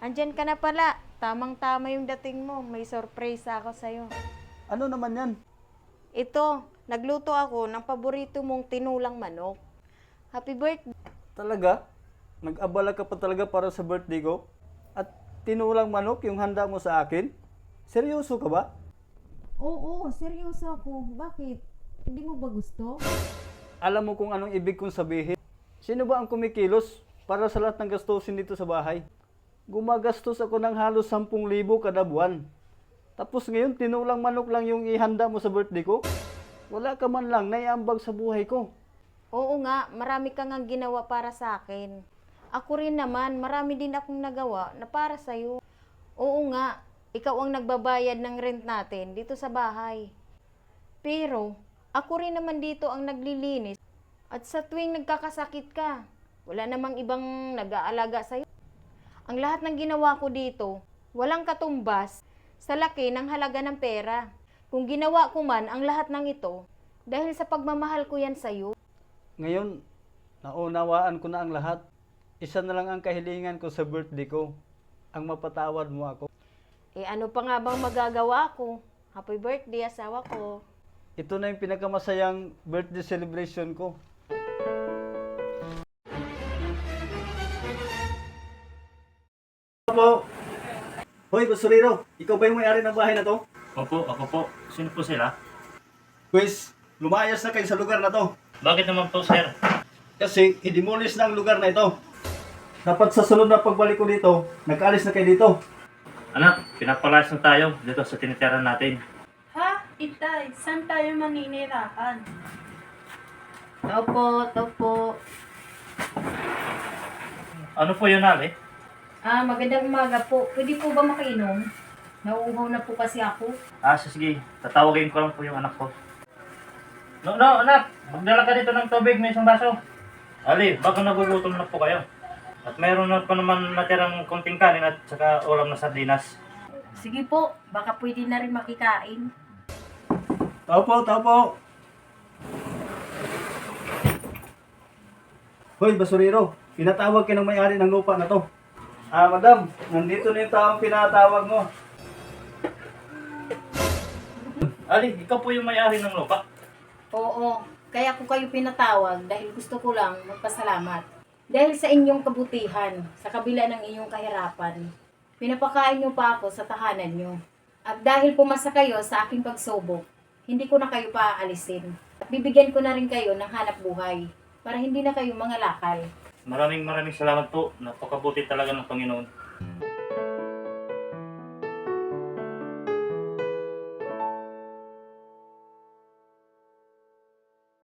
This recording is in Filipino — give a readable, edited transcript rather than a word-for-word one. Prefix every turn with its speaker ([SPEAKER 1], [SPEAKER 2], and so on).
[SPEAKER 1] Andyan ka na pala. Tamang-tama yung dating mo. May surprise ako sa'yo.
[SPEAKER 2] Ano naman yan?
[SPEAKER 1] Ito, nagluto ako ng paborito mong tinulang manok. Happy birthday.
[SPEAKER 2] Talaga? Nag-abala ka pa talaga para sa birthday ko? At tinulang manok yung handa mo sa akin? Seryoso ka ba?
[SPEAKER 1] Oo, seryoso ako. Bakit? Hindi mo ba gusto?
[SPEAKER 2] Alam mo kung anong ibig kong sabihin? Sino ba ang kumikilos para sa lahat ng gastusin dito sa bahay? Gumagastos ako ng halos 10,000 kada buwan. Tapos ngayon, tinulang manok lang yung ihanda mo sa birthday ko? Wala ka man lang naiambag sa buhay ko.
[SPEAKER 1] Oo nga, marami kang ang ginawa para sa akin. Ako rin naman, marami din akong nagawa na para sa'yo. Oo nga, ikaw ang nagbabayad ng rent natin dito sa bahay. Pero, ako rin naman dito ang naglilinis. At sa tuwing nagkakasakit ka, wala namang ibang nag-aalaga sa'yo. Ang lahat ng ginawa ko dito, walang katumbas sa laki ng halaga ng pera. Kung ginawa ko man ang lahat ng ito, dahil sa pagmamahal ko yan sa'yo.
[SPEAKER 2] Ngayon, naunawaan ko na ang lahat. Isa na lang ang kahilingan ko sa birthday ko. Ang mapatawad mo ako.
[SPEAKER 1] Eh ano pa nga bang magagawa ko? Happy birthday, asawa ko.
[SPEAKER 2] Ito na yung pinakamasayang birthday celebration ko. Opo. Hoy, basurero. Ikaw ba yung may-ari ng bahay na to?
[SPEAKER 3] Opo, ako po. Sino po sila?
[SPEAKER 2] Pues, lumayas na kayo sa lugar na to.
[SPEAKER 3] Bakit naman po, sir?
[SPEAKER 2] Kasi, i-demolish na ang lugar na ito. Dapat sa sunod na pagbalik ko dito, nag-alis na kayo dito.
[SPEAKER 3] Anak, pinapalayas na tayo dito sa tinitirahan natin.
[SPEAKER 4] Ha? Itay, saan tayo maninirahan?
[SPEAKER 1] Opo.
[SPEAKER 3] Ano po yun, Ali?
[SPEAKER 1] Magandang umaga po. Pwede po ba makainom? Nauuhaw na po kasi ako.
[SPEAKER 3] Sige. Tatawagin ko lang po yung anak ko. No, anak. Magdala ka dito ng tubig. May isang baso. Ali, baka nagugutom na po kayo. At mayroon na pa naman natirang konting kanin at saka ulam na sardinas.
[SPEAKER 4] Sige po, baka pwede na rin makikain.
[SPEAKER 2] Tao po. Hoy, basurero. Pinatawag ka ng may-ari ng lupa na to. Madam, nandito na yung taong pinatawag mo.
[SPEAKER 3] Ali, ikaw po yung may-ari ng lupa.
[SPEAKER 4] Oo, kaya ko kayo pinatawag dahil gusto ko lang magpasalamat. Dahil sa inyong kabutihan, sa kabila ng inyong kahirapan, pinapakain niyo pa ako sa tahanan niyo. At dahil pumasa kayo sa aking pagsubok, hindi ko na kayo paaalisin. At bibigyan ko na rin kayo ng hanap buhay para hindi na kayo mga lakal.
[SPEAKER 3] Maraming salamat po. Napakabuti talaga ng Panginoon.